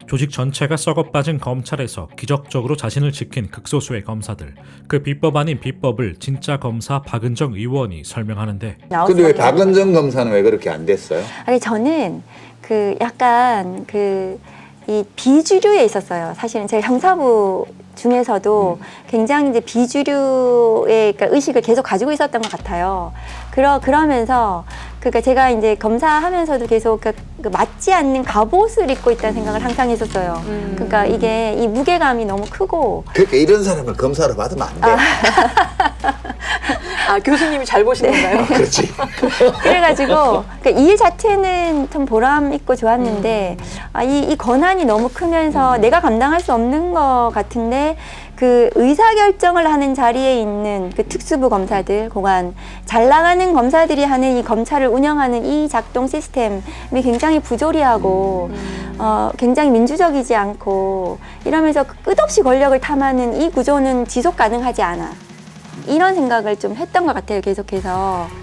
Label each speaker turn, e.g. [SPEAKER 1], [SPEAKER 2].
[SPEAKER 1] 조직 전체가 썩어빠진 검찰에서 기적적으로 자신을 지킨 극소수의 검사들. 그 비법 아닌 비법을 진짜 검사 박은정 의원이 설명하는데,
[SPEAKER 2] 근데 왜 박은정 검사는 왜 그렇게 안 됐어요?
[SPEAKER 3] 아니 저는 약간 이 비주류에 있었어요. 사실은 제가 형사부 중에서도 굉장히 이제 비주류의 그러니까 의식을 계속 가지고 있었던 것 같아요. 그러면서 그러니까 제가 이제 검사하면서도 계속 그 맞지 않는 갑옷을 입고 있다는 생각을 항상 했었어요. 그러니까 이게 이 무게감이 너무 크고.
[SPEAKER 2] 그러니까 이런 사람을 검사로 받으면 안 돼.
[SPEAKER 4] 교수님이 잘 보신 건가요?
[SPEAKER 2] 그렇지.
[SPEAKER 3] 그래가지고 그러니까 일 자체는 참 보람 있고 좋았는데 이 권한이 너무 크면서 내가 감당할 수 없는 것 같은데 그 의사결정을 하는 자리에 있는 그 특수부 검사들, 고관, 잘 나가는 검사들이 하는 이 검찰을 운영하는 이 작동 시스템이 굉장히 부조리하고 굉장히 민주적이지 않고 이러면서 끝없이 권력을 탐하는 이 구조는 지속 가능하지 않아. 이런 생각을 좀 했던 것 같아요, 계속해서.